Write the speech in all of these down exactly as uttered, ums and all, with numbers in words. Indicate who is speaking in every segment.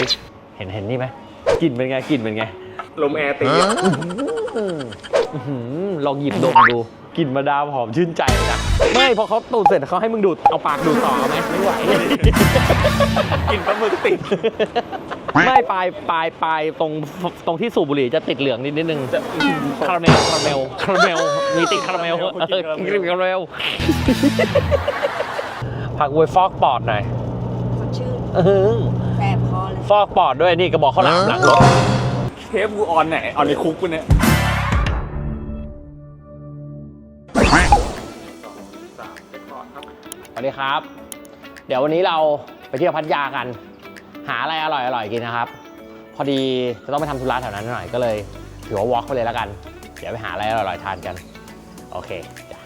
Speaker 1: เห็นเห็นนี่ไหมกลิ่นเป็นไงกลิ่นเป็นไง
Speaker 2: ลมแอร์ตี
Speaker 1: ลองหยิบดมดูกลิ่นมาดามหอมชื่นใจนะไม่พอเขาตูดเสร็จเขาให้มึงดูดเอาปากดูดต่อไหมไม่ไหว
Speaker 2: กลิ่นปลาหมึกติด
Speaker 1: ไม่ปลายปลายปลายตรงตรงที่สูบบุหรี่จะติดเหลืองนิดนิดนึงคาราเมลคาราเมลคาราเมลมีติดคาราเมลเออกินคาราเมลผักเวยฟอกปอดหน่อย
Speaker 3: สดชื่นแสบคอเลย
Speaker 1: ฟอกปอดด้วยนี่กระบอกข้าวหลามหลังรถ
Speaker 2: เทปกูออนไหนออนในคุกกูเนี่ย
Speaker 1: สวัสดีครับเดี๋ยววันนี้เราไปเที่ยวพัทยากันหาอะไรอร่อยๆกินนะครับพอดีจะต้องไปทำธุระแถวนั้นหน่อยก็เลยถือว่าวอล์กไปเลยแล้วกันเดี๋ยวไปหาอะไรอร่อยๆทานกันโอเคจ้ะ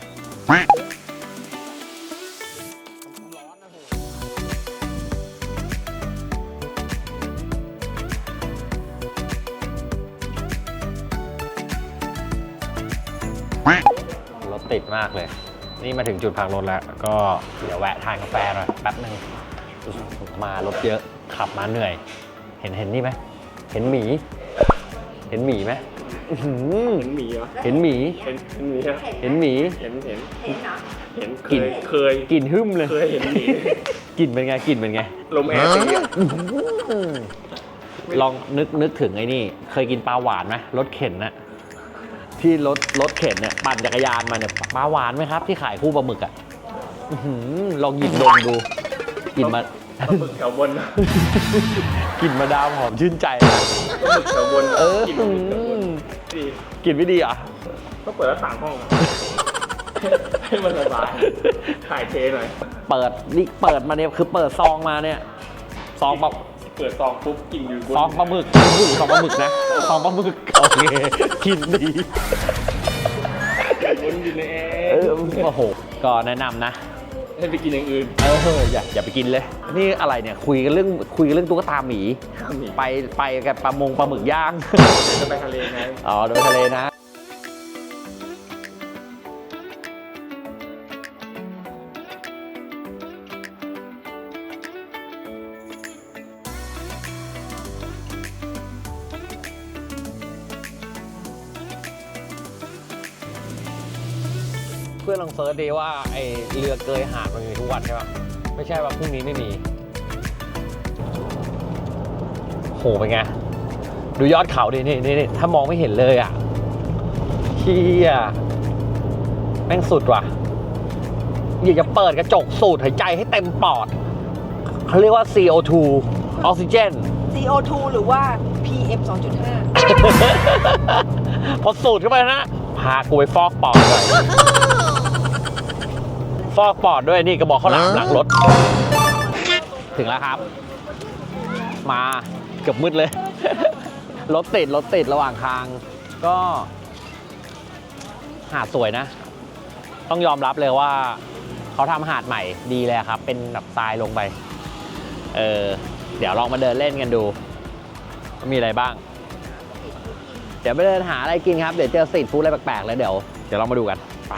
Speaker 1: รถติดมากเลยนี่มาถึงจุดพักรถแล้วก็เดี๋ยวแวะทานกาแฟหน่อยแป๊บนึงมารถเยอะขับมาเหนื่อยเห็นเห็นนี่ไหมเห็นหมีเห็นหมีไหม
Speaker 2: เห็นหมีเหรอ
Speaker 1: เห็นหมี
Speaker 2: เห็นหมี
Speaker 1: เห็นหมี
Speaker 2: เห็นเห็น
Speaker 3: เห็นนะ
Speaker 2: เห็นกลิ่นเคย
Speaker 1: กลิ่นหึ่มเลย
Speaker 2: เคยเห็นหมี
Speaker 1: กลิ่นเป็นไงกลิ่นเป็นไง
Speaker 2: ลมแอร์ตี
Speaker 1: ลองนึกนึกถึงไอ้นี่เคยกินปลาหวานไหมรถเข็นน่ะที่รถรถเข็นเนี่ยปั่นจักรยานมาเนี่ยปลาหวานไหมครับที่ขายคู่ปลาหมึกอ่ะลองหยิบดมดูกินมา
Speaker 2: ปลาหมึกแถวบน
Speaker 1: กลิ่นมาดามหอมชื่นใจนะ
Speaker 2: ปลาหมึกแถวบน
Speaker 1: เออกินไม่ดีอ่ะ
Speaker 2: ก็เปิดแล้วต่างห้องให้มันสบายถ่ายเทหน่อย
Speaker 1: เปิดนี่เปิดมาเนี่ยคือเปิดซองมาเนี่ยซองปลา
Speaker 2: เปิดซองปุ๊บกินอยู่
Speaker 1: ซองปลาหมึกซองปลาหมึกนะซองปลาหมึกโอเคกินดี
Speaker 2: วนอยู่ในแอร์
Speaker 1: เออโอ้โหก็แนะนำนะ
Speaker 2: ให้ไปกินอย่างอื่น
Speaker 1: เอออย่าอย่าไปกินเลยนี่อะไรเนี่ยคุยกันเรื่องคุยกันเรื่องตุ๊กตาหมีไปไปกับปลามงปลาหมึกย่าง
Speaker 2: จะไปทะเลไง
Speaker 1: อ๋อเดินทะเลนะเพื่อนลองเซิร์ชดีว่าไอเรือเกยหาดมันมีทุกวันใช่ปะไม่ใช่ว่าพรุ่งนี้ไม่มีโหเป็นไงดูยอดเขาดินี่นี่ถ้ามองไม่เห็นเลยอ่ะเฮียแม่งสุดว่ะอยากจะเปิดกระจกสูดหายใจให้เต็มปอดเขาเรียกว่า ซี โอ ทู ออกซิเจน
Speaker 3: ซี โอ ทู หรือว่า พี เอ็ม สองจุดห้า
Speaker 1: พอสูดเข้าไปนะพากูไปฟอกปอดเลยฟอกปอดด้วยนี่กระบอกข้าวหลามหลังรถถึงแล้วครับมาเกือบมืดเลยรถติดรถติดระหว่างทางก็หาดสวยนะต้องยอมรับเลยว่าเขาทำหาดใหม่ดีเลยครับเป็นแบบทรายลงไปเออเดี๋ยวลองมาเดินเล่นกันดูว่ามีอะไรบ้างเดี๋ยวไปเดินหาอะไรกินครับเดี๋ยวเจอสตรีทฟู้ดอะไรแปลกๆแล้วเดี๋ยวเดี๋ยวเรามาดูกันไป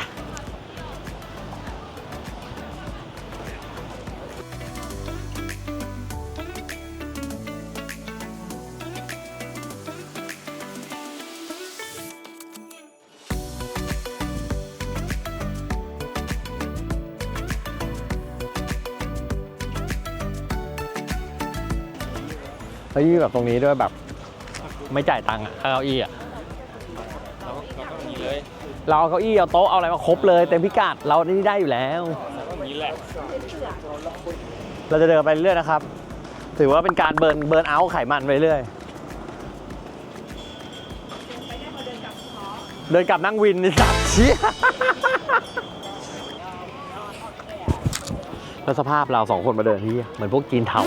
Speaker 1: เฮ้ยแบบตรงนี้ด้วยแบบไม่จ่ายตังค์อ่ะเก้าอี้อ่ะเราเอาเก้าอี้เอาโต๊ะเอาอะไรมาครบเลยเต็มพิกัดเรานี่ได้อยู่แล้วเราจะเดินไปเรื่อยนะครับถือว่าเป็นการเบิร์นเบิร์นเอาท์ไขมันไปเรื่อยเดินกลับนั่งวินนี่สัตว์เชี่ยแล้วสภาพเราสองคนมาเดินที่เหมือนพวกจีนเทา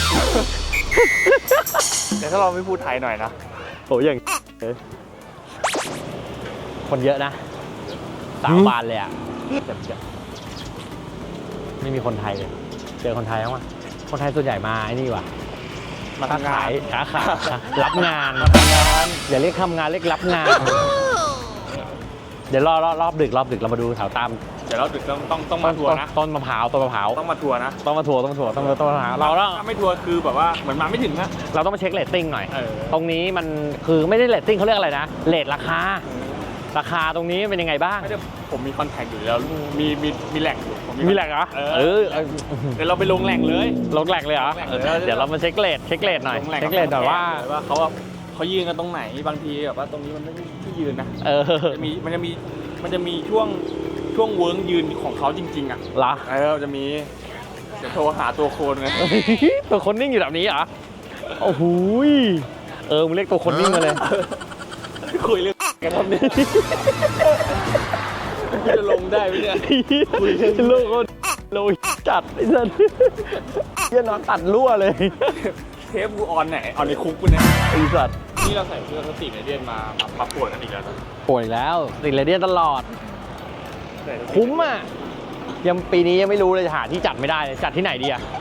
Speaker 2: แต่ถ้าเราไม่พูดไทยหน่อยนะ
Speaker 1: โอ้ยอย่างคนเยอะนะสาวบานเลยอ่ะไม่มีคนไทยเลยเจอคนไทยมั้งคนไทยส่วนใหญ่มาไอ้นี่ว่ะ
Speaker 2: มาทำงาน
Speaker 1: ค้าขายรับงานอย่าเรียกทำงานเรียกรับงานเดี๋ยวรอรอบดึกรอบดึกเรามาดูแถวตาม
Speaker 2: ดี๋ยวเราต้องต้องต้องมาทัวร์นะ
Speaker 1: ต้นมะพร้าวต้นมะพร้าว
Speaker 2: ต้องมาทัวร์นะ
Speaker 1: ต้องมาทัวร์ต้องทัวร์ต้องมาต้นมะพร้าวเราต้อง
Speaker 2: ถ้าไม่ทัวร์คือแบบว่าเหมือนมาไม่ถึงนะ
Speaker 1: เราต้องมาเช็คเรตติ้งหน่อย
Speaker 2: เออ
Speaker 1: ตรงนี้มันคือไม่ได้เรตติ้งเขาเรียกอะไรนะเรตราคาราคาตรงนี้เป็นยังไงบ้าง
Speaker 2: ไม่ได้ผมมีคอนแทคอยู่แล้วมีมีมีแหล่งอยู่ผม
Speaker 1: มีแหล่งเหรอ
Speaker 2: เออ
Speaker 1: เออเออ
Speaker 2: เดี๋ยวเราไปลงแหล่งเลย
Speaker 1: ลงแหล่งเลยเหรอ
Speaker 2: ลงแหล่ง
Speaker 1: เอ
Speaker 2: เลย
Speaker 1: อเดี๋ยวเรามาเช็คเรทเช็คเรทหน่อย
Speaker 2: ลงแหล่ง
Speaker 1: เช็คเรทหน่อยว่า
Speaker 2: ว่าเขาว่าเขายืนกันตรงไหนบางทีแบบว่าตรงนี้มันไม่ใช่ที่ยืนนะ
Speaker 1: เออ
Speaker 2: จะมีมันจะมีมันจะมีช่วงช่วงเวิร์กยืนของเขาจริงๆอ่ะ
Speaker 1: เหรอ
Speaker 2: เออจะมีเดี๋ยวโทรหาตัวโคนไง
Speaker 1: ตัวคนนิ่งอยู่แบบนี้เหรอโอ้โหยเออมึงเรียกตัวคนนิ่งมาเลย
Speaker 2: คุยเรื่องกันทำเนี่ยจะลงได้ไหมเนี่ย
Speaker 1: คุยเรื่องโลกเขาโลยจัดไอ้สัสเหี้ยนอนตัดรั่วเลย
Speaker 2: เทปกูออนไหนออนในคุกกูเนี่ย
Speaker 1: ไอ้สัส
Speaker 2: นี่เราใส่เสื้อสติในเดียนมามาพับปวดกันอีกแล้วนะ
Speaker 1: ป่วยแล้วติดเรเดียนตลอด คุ้มอ่ะยังปีนี้ยังไม่รู้เลยหาที่จัดไม่ได้เลยจัดที่ไหนดีอ่ะ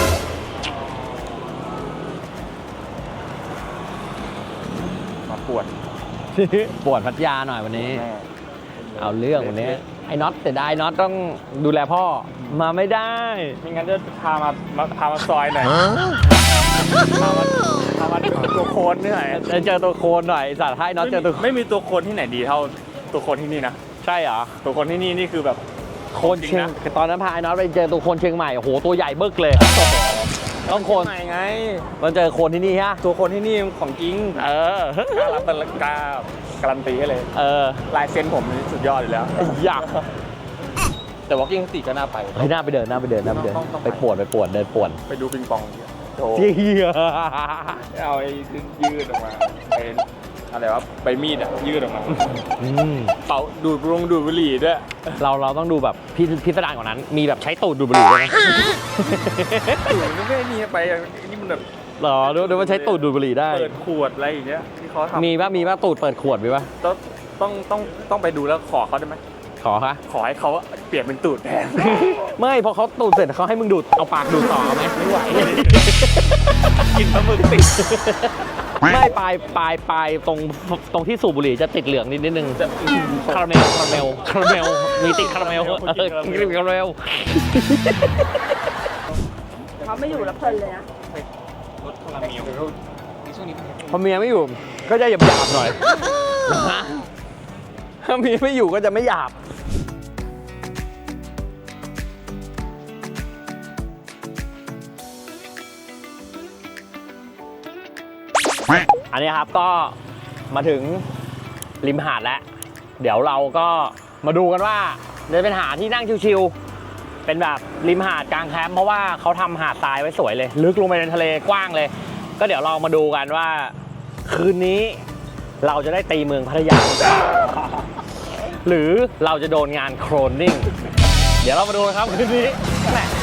Speaker 2: มาปวด
Speaker 1: ปวดพัทยาหน่อยวันนี้ เอาเรื่องวันนี้ไอ้น็อตแต่ได้น็อตต้องดูแลพ่อมาไม่ได้
Speaker 2: ไม่งั้นจะพามามาพามาซอยหน่อยพามาพามาตัวโคนนี่หน่อย
Speaker 1: จะเจอตัวโคนหน่อยสัตว์ให้น็อตเจอตัว
Speaker 2: ไม่มีตัวโคนที่ไหนดีเท่าตัวโคนที่นี่นะ
Speaker 1: ใช่เหรอ
Speaker 2: ตัวโคนที่นี่นี่คือแบบ
Speaker 1: โคนเชียงตอนนั้นพาไอ้น็อตไปเจอตัวโคนเชียงใหม่โอ้โหตัวใหญ่บึกเลยต้องโคน
Speaker 2: ไหนไง
Speaker 1: มันเจอโคนที่นี่ฮะ
Speaker 2: ตัวโคนที่นี่ของจริง
Speaker 1: เออก
Speaker 2: ล้ารับกล้าการันตีให้เลย
Speaker 1: เออ
Speaker 2: ลายเซ็นผมนี่สุดยอดอยู่แล้ว
Speaker 1: อยาก
Speaker 2: แต่ว่ากิ้งสติก็น่าไป
Speaker 1: เฮ้ยหน้าไปเดินหน้าไปเดินหน้าไปเดิน
Speaker 2: ต้องต้องไป
Speaker 1: ไปปวดไปปวดเดินปวด
Speaker 2: ไปดูปิงปองโถ
Speaker 1: เฮีย
Speaker 2: เอาไอ้ยืดออกมาไอ้อะไรวะใบมีดอ่ะยืดออกมา
Speaker 1: อืม
Speaker 2: เป่าดูดลงดูดบุหรี่ด้วย
Speaker 1: เราเราต้องดูแบบพิพิสดารกว่านั้น มีแบบใช้ตูดดูดบุหรี่ด้วยนะ
Speaker 2: มันไม่มีไปนี่มันแบบ
Speaker 1: หรอดูดูว่าใช้ตูดดูดบุหรี่ได้
Speaker 2: เปิดขวดอะไรอย่างเงี้ยที่เขาทำ
Speaker 1: มีป่ะมีป่ะตูดเปิดขวดมีป่ะ
Speaker 2: ต้องต้องต้องต้องไปดูแล้วขอเขาได้ไหม
Speaker 1: ขอคะ
Speaker 2: ขอให้เขาเปลี่ยนเป็นตูดแทน
Speaker 1: ไม่พอเขาตูดเสร็จเขาให้มึงดูดเอาปากดูดต่อเอาไหมไม่ไหว
Speaker 2: กินปลาหมึกติด
Speaker 1: ไม่ปลายปลายปลายตรงตรงที่สูบบุหรี่จะติดเหลืองนิดนิดนึง
Speaker 2: จะ
Speaker 1: คาราเมลคาราเมลคาราเมลมีติดคาราเมลเออกินคาราเมล
Speaker 3: เขาไม่อยู่แล้วเพลินเลยนะ
Speaker 2: รสคาราเมลช่วงนี้
Speaker 1: พอเมียไม่อยู่ก็จะหยาบหยาบๆหน่อยถ้าเมียไม่อยู่ก็จะไม่หยาบอันนี้ครับก็มาถึงริมหาดแล้ว เดี๋ยวเราก็มาดูกันว่าจะเป็นหาดที่นั่งชิวๆเป็นแบบริมหาดกลางแคมป์เพราะว่าเขาทำหาดทรายไว้สวยเลย ลึกลงไปในทะเลกว้างเลย ก็เดี๋ยวเรามาดูกันว่าคืนนี้เราจะได้ตีเมืองพัทยา หรือเราจะโดนงานโครนนิ่ง เดี๋ยวเรามาดูนะครับคืนนี้แหม่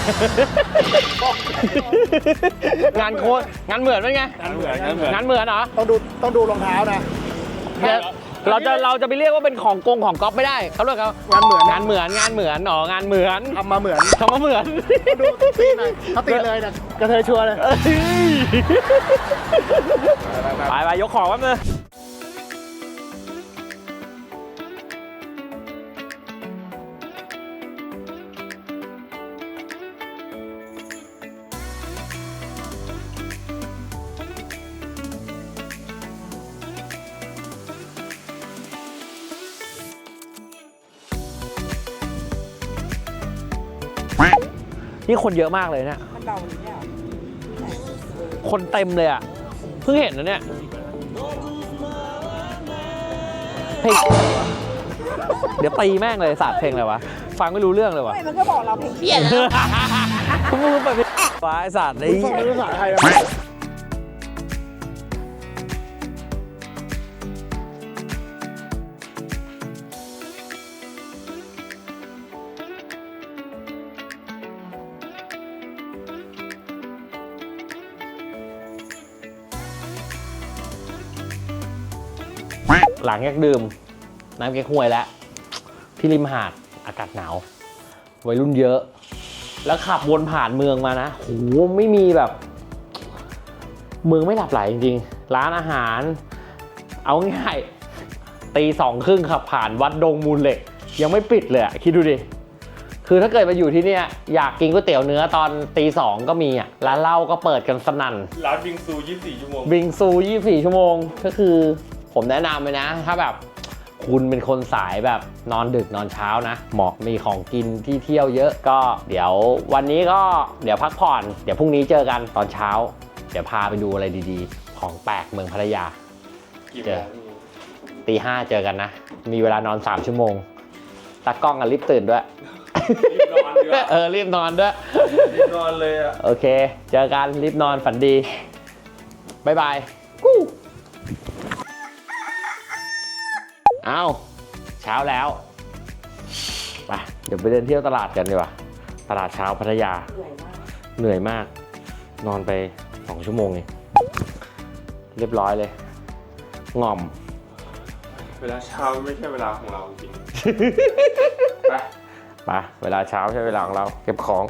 Speaker 1: งานโครนงานเหมือนเป็นไง
Speaker 2: งั้นเหมือนงั้นเหมือน
Speaker 1: งานเหมือนเหรอ
Speaker 4: ต้องดูต้องดูรองเท้านะ
Speaker 1: เดี๋ยวเราจะเราจะไปเรียกว่าเป็นของกงของก๊อฟไม่ได้เขาเรียกเขา
Speaker 4: งานเหมือน
Speaker 1: งานเหมือนงานเหมือนอ๋องานเหมือน
Speaker 4: ทำมาเหมือน
Speaker 1: ทำมาเหมือน
Speaker 4: ดูตีหน่อยถ้าตีเลยเนี่ยกระเทยชัวร์เลย
Speaker 1: เอ้ยไปไปยกของแป๊บนึงนี่คนเยอะมากเลยเนี่ย
Speaker 3: มันเบาหรือเนี่ย
Speaker 1: คนเต็มเลยอ่ะ เพิ่งเห็นนะเนี่ยเพลงเดี๋ยวตีแม่งเลยศาสตร์เพลงอะไรวะ ฟังไม่รู้เรื่องเลยวะ
Speaker 3: ไม่มันก็บอกเราเพลงเพี้ยน
Speaker 1: มึงไปเป็นวายศาสตร์ไอ้
Speaker 4: ฟังภาษาไทยนะ
Speaker 1: หลังจากดื่มน้ำเก๊กฮวยแล้วที่ริมหาดอากาศหนาววัยรุ่นเยอะ แล้วขับวนผ่านเมืองมานะโหไม่มีแบบ เมืองไม่หลับไหลจริงๆ ร้านอาหาร เอาง่ายตีสองครึ่งขับผ่านวัดดงมูลเหล็ก ยังไม่ปิดเลยอะคิดดูดิคือถ้าเกิดมาอยู่ที่เนี่ยอยากกินก๋วยเตี๋ยวเนื้อตอนตีสองก็มีอ่ะร้านเหล้าก็เปิดกันสนั่น
Speaker 2: ร้านบิงซูยี่สิบสี่ชั่วโมง
Speaker 1: บิงซูยี่สิบสี่ชั่วโมงก็คือผมแนะนำเลยนะ ถ้าแบบคุณเป็นคนสายแบบนอนดึกนอนเช้านะเหมาะมีของกินที่เที่ยวเยอะก็เดี๋ยววันนี้ก็เดี๋ยวพักผ่อนเดี๋ยวพรุ่งนี้เจอกันตอนเช้า เดี๋ยวพาไปดูอะไรดีๆ ของแปลกเมืองพัทยา
Speaker 2: กี่
Speaker 1: เจ
Speaker 2: โม
Speaker 1: อง ตีห้าเจอกันนะ มีเวลานอนสามชั่วโมงตากล้องกันรีบตื่นด้วย
Speaker 2: รีบนอนดีกว่า
Speaker 1: เออรีบนอนด้วย
Speaker 2: รีบนอนเลยอ่ะ
Speaker 1: โอเค เจอกันรีบนอนฝันดีบายบายกู้เอาเช้าแล้วไปเดี๋ยวไปเดินเที่ยวตลาดกันดีกว่าตลาดเช้าพัทยา
Speaker 3: เหนื่อยมาก
Speaker 1: เหนื่อยมาก นอนไปสองชั่วโมงเองเรียบร้อยเลยง่อม
Speaker 2: เวลาเช้าไม่ใช่เวลาของเราจริง ไป
Speaker 1: ไปเวลาเช้าใช่เวลาของเราเก็บของ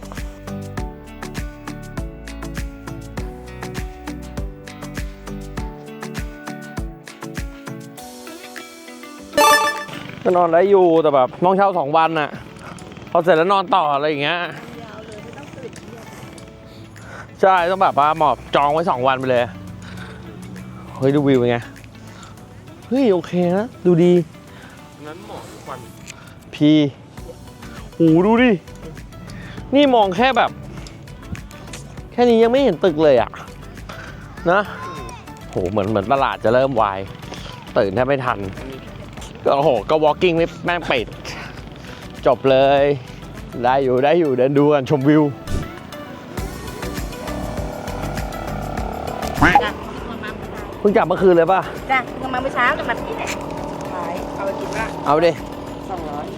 Speaker 1: ก็นอนได้อยู่แต่แบบน้องเช่าสองวันน่ะพอเสร็จแล้วนอนต่ออะไรอย่างเงี้ยใช่ต้องแบบว่าหมอบจองไว้สองวันไปเลยเฮ้ยดูวิวเป็นไงเฮ้ยโอเคนะดูดี
Speaker 2: นั้นหมอทุกวัน
Speaker 1: พีโอ้ดูดิ นี่มองแค่แบบ แค่นี้ยังไม่เห็นตึกเลยอะนะโหเหมือนเหมือนตลาดจะเริ่มวายตื่นแทบไม่ทัน ก็โอ้โห ก็ walking ไม่แม่งปิดจบเลย ได้อยู่ได้อยู่เดินดูกันชมวิว
Speaker 3: จ้ะมามา
Speaker 1: เพิ่งกลับเมื่อคืนเลยป่ะ
Speaker 3: จ้ะมาเมื่อเช้ากับมาที่ไหนขายเอาไปกินละ
Speaker 1: เอาดิ
Speaker 3: สองร้อย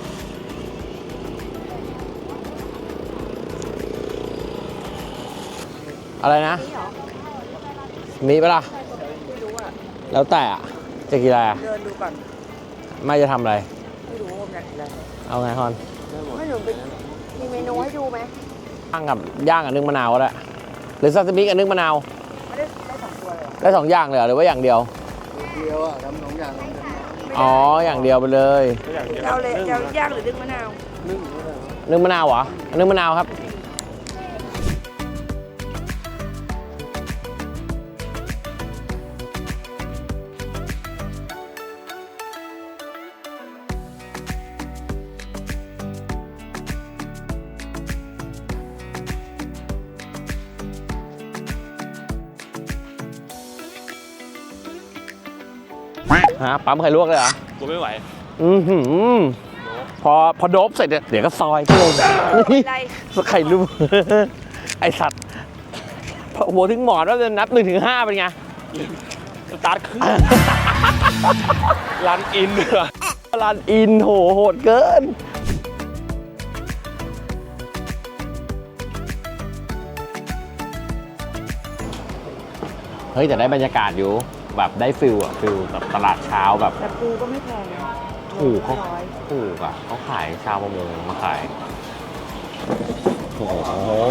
Speaker 1: อะไรนะ
Speaker 3: นี่เหรอ
Speaker 1: มีปะล่ะ
Speaker 3: ไม่รู้อ่ะ
Speaker 1: แล้วแต่อะจะกินอะไรอะ
Speaker 3: เดินดูก่อน
Speaker 1: ไม่จะทำอะไร
Speaker 3: ไม่รู้ว่ามันอยากกินอะไร
Speaker 1: เอาไงฮอน
Speaker 3: ไม่หนูเป็นมีเมนูให้ดูไหม
Speaker 1: ย่างกับย่างกับนึ่งมะนาวก็ได้หรือซาซิมิกับนึ่งมะนาว
Speaker 3: ไม่ได้ได้สองตัวเลยเหรอ
Speaker 1: ได้สองอย่างเลยเหรอหรือว่าอย่างเดียว
Speaker 4: เดียวอ่ะทำสองอย่างทำเป็น
Speaker 1: อ๋อ อย่างเดียวไปเลย
Speaker 2: ก็อย่างเงี้ย
Speaker 3: เราเลยเราย่างหรือดึงมะนาว
Speaker 4: นึ่งก็ได้
Speaker 1: นึ่งมะนาวเหรอนึ่งมะนาวครับ ฮะปั๊มไข่ลวกเลยเหรอ
Speaker 2: กูไม่ไหว
Speaker 1: อือหือพอพอโดบเสร็จเนี่ยเดี๋ยวก็ซอยเพิ่มนี่
Speaker 3: อะไร
Speaker 1: ไข่ลวก ไอสัตว์พอหัวถึงหมอนว่าจะนับหนึ่งถึงห้าเป็นไง
Speaker 2: สตาร์ทขึ้นรันอินด้วย
Speaker 1: รันอินโหโหดเกิน เฮ้ย แต่ได้บรรยากาศอยู่แบบได้ฟิลอะฟิลแบบตลาดเช้าแบบ
Speaker 3: แต่ปูก็ไม่แพงนะ
Speaker 1: ถูกเขา
Speaker 3: ร้อย
Speaker 1: ถูกอ่ะเขาขายชาวประมงมาขาย โอ้โห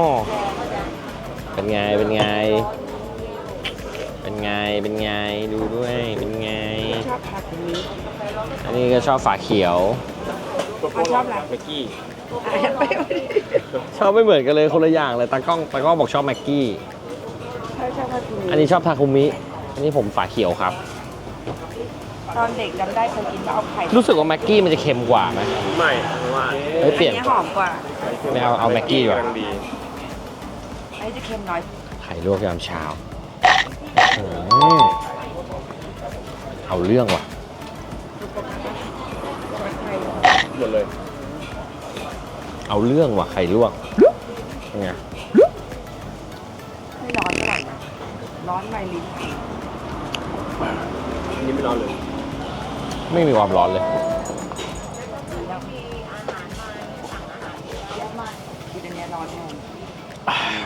Speaker 1: เป็นไง เป็นไง เป็นไง เป็นไง ดูด้วย เป็นไง
Speaker 3: ชอบผักอย่างนี้
Speaker 1: อันนี้ก็ชอบฝาเขียว
Speaker 3: เขาชอบอะไร
Speaker 2: เมื่อกี้
Speaker 3: อ่ะไปเอาดิ
Speaker 1: ชอบไม่เหมือนกันเลยคนละอย่างเลยตากล้องตากล้องบอกชอบแม็กกี้
Speaker 3: เขาชอบผักอย่าง
Speaker 1: อัน
Speaker 3: นี้
Speaker 1: นี้ชอบทาคุมิ อันนี้ผมฝาเขียวครับ
Speaker 3: ตอนเด็กจำได้เคยกินแล้วเอาไข่
Speaker 1: รู้สึกว่าแม็กกี้มันจะเค็มกว่าไหม
Speaker 2: ไม่ว่า
Speaker 1: เฮ้ยเปลี่ยน
Speaker 3: อันนี้หอมกว่า
Speaker 1: ไม่เอาเอาแม็กกี้ดีกว่า
Speaker 2: ำลังดี
Speaker 3: อันนี้จะเค็มน้อย
Speaker 1: ไข่ลวกยามเช้าอืมเอาเรื่องว่ะ
Speaker 2: หมดเลย
Speaker 1: เอาเรื่องว่ะไข่ลวกเป็นไง
Speaker 3: ไม่ร้อนเท่าไหร่นะร้อนในลิ้น
Speaker 2: อันนี้ไม่ร้อนเลย
Speaker 1: ไม่มีความร้อนเลย
Speaker 3: กินอันเนี้ยร้อนแทน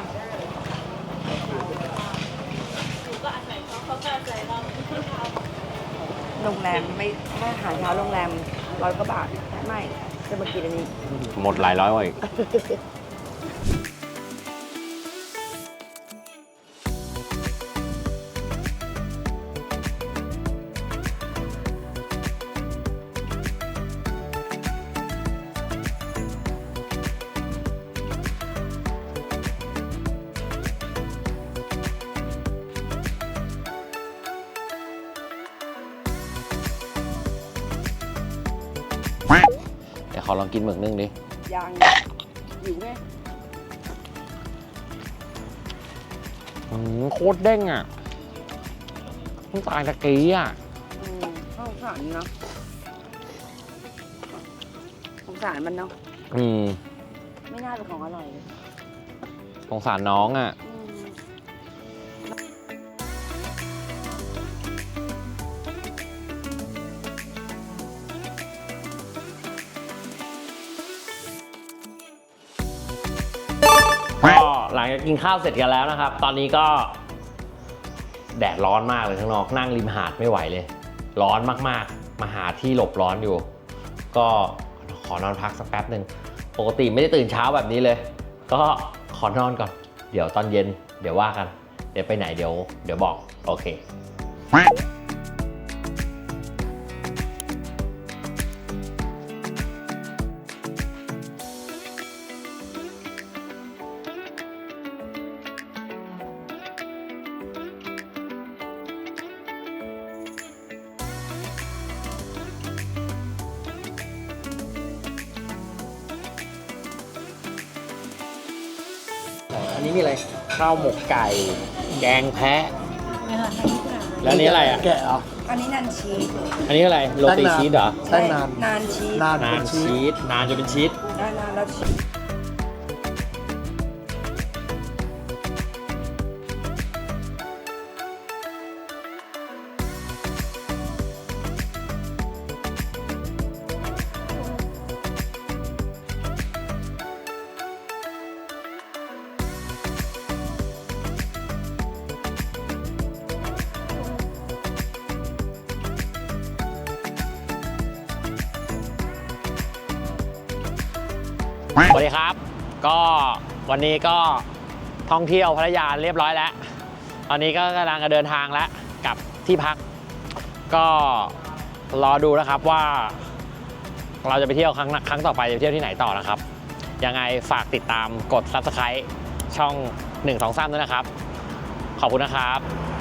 Speaker 3: โรงแรมไม่ถ้าอาหารเช้าโรงแรมร้อยกว่าบาทไม่จะมากินอันนี้
Speaker 1: หมดหลายร้อยกว่าอีกอลองกินหมึกนึ่งดิ
Speaker 3: ยางหิวไง
Speaker 1: อืมโคตรเด้งอ่ะต้องตายตะกี้อ่ะ
Speaker 3: อืมสงสารเนาะสงสารมันเนาะ
Speaker 1: อืม
Speaker 3: ไม่น่าเป็นของอร่อยเลย
Speaker 1: สงสารน้องอ่ะ
Speaker 3: อืม
Speaker 1: ก็หลังจากกินข้าวเสร็จกันแล้วนะครับ ตอนนี้ก็แดดร้อนมากเลยข้างนอกนั่งริมหาดไม่ไหวเลย ร้อนมากๆ มาหาที่หลบร้อนอยู่ ก็ขอนอนพักสักแป๊บหนึ่งปกติไม่ได้ตื่นเช้าแบบนี้เลย ก็ขอนอนก่อน เดี๋ยวตอนเย็นเดี๋ยวว่ากัน เดี๋ยวไปไหนเดี๋ยวเดี๋ยวบอกโอเค อันนี้มีอะไร ข้าวหมกไก่ แกงแพะ แล้วอันนี้อะไรอ่ะ
Speaker 4: แกะเหรอ
Speaker 3: อันนี้นันชีส
Speaker 1: อันนี้อะไร โรตีชีสเหรอ
Speaker 4: ได้นาน
Speaker 3: นานชีส
Speaker 4: นาน
Speaker 1: นา
Speaker 4: เป็น นชี
Speaker 1: ชี
Speaker 4: ส
Speaker 1: ส นานจะเป็นชีส
Speaker 3: ได้นานแล้วชีส
Speaker 1: สวัสดีครับ ก็วันนี้ก็ท่องเที่ยวพัทยาเรียบร้อยแล้ว ตอนนี้ก็กำลังจะเดินทางแล้วกลับที่พัก ก็รอดูนะครับว่า เราจะไปเที่ยวครั้งครั้งต่อไปจะไปเที่ยวที่ไหนต่อนะครับ ยังไงฝากติดตามกด ซับสไครบ์ ช่องหนึ่ง สอง สามด้วยนะครับ ขอบคุณนะครับ